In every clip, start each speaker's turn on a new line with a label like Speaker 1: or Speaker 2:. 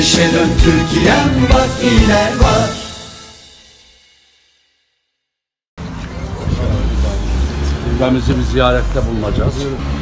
Speaker 1: Güneşe dön Türkiye'm, bak iler var.
Speaker 2: Ülkemizi bir ziyarette bulunacağız.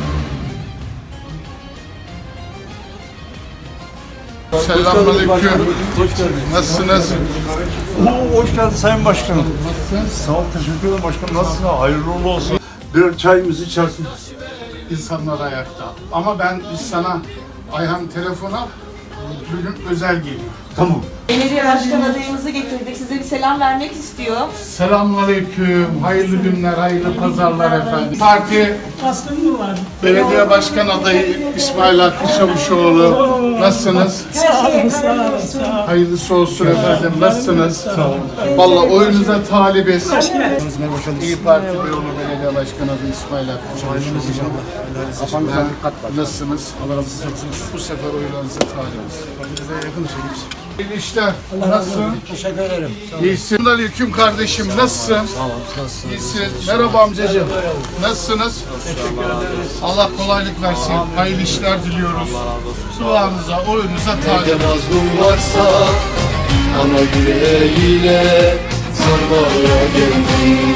Speaker 3: Selamünaleyküm. Nasılsınız?
Speaker 4: Hoş geldin Sayın Başkanım. Sağ ol, teşekkür ederim başkanım. Nasılsın? Hayırlı uğurlu olsun. Bir çayımızı içersin.
Speaker 3: İnsanlar ayakta. Ama biz sana Ayhan telefona bugün özel geliyor.
Speaker 4: Tamam.
Speaker 5: Belediye başkan adayımızı getirdik. Size bir selam vermek istiyor.
Speaker 3: Selamünaleyküm. Hayırlı günler, hayırlı pazarlar efendim. Parti Belediye Başkan adayı İsmail Hakkı Çavuşoğlu. Nasılsınız? Hayırlısı olsun efendim. Nasılsınız? Sağ olun. Vallahi oyunuza talibiz. İyi Parti Beyoğlu Belediye Başkan adayı İsmail Hakkı Çavuşoğlu. Nasılsınız? Allah razı olsun. Bu sefer oylarınıza talibiz. İyi işler. Nasılsın?
Speaker 6: Teşekkür ederim.
Speaker 3: İyisin. Aleyküm kardeşim. Nasılsın? Sağ olun. Nasılsın? İyisin. Merhaba amcacığım. Nasılsınız? Teşekkür ederiz. Allah kolaylık versin. Hayırlı işler diliyoruz. Duanıza, oyunuza talip.
Speaker 1: Mazlum varsa ana yüreğiyle sarmaya geldim.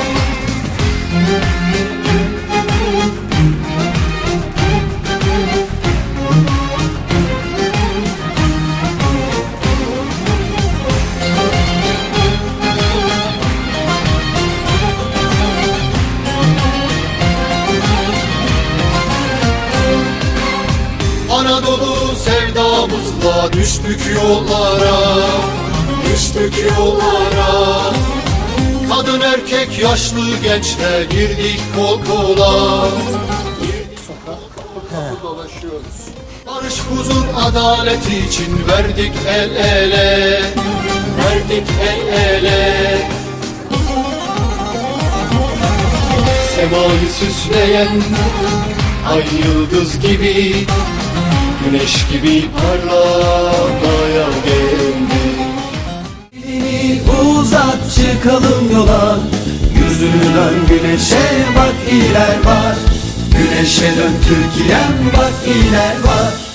Speaker 1: Anadolu sevdamızla düştük yollara, düştük yollara. Kadın erkek yaşlı gençle girdik kol kola.
Speaker 3: Dolaşıyoruz.
Speaker 1: Barış huzur adalet için verdik el ele, verdik el ele. Semayı süsleyen ay yıldız gibi, güneş gibi parlamaya geldi. Elini uzat, çıkalım yola, yüzünü dön güneşe, bak iler var. Güneşe dön Türkiye'm, bak iler var.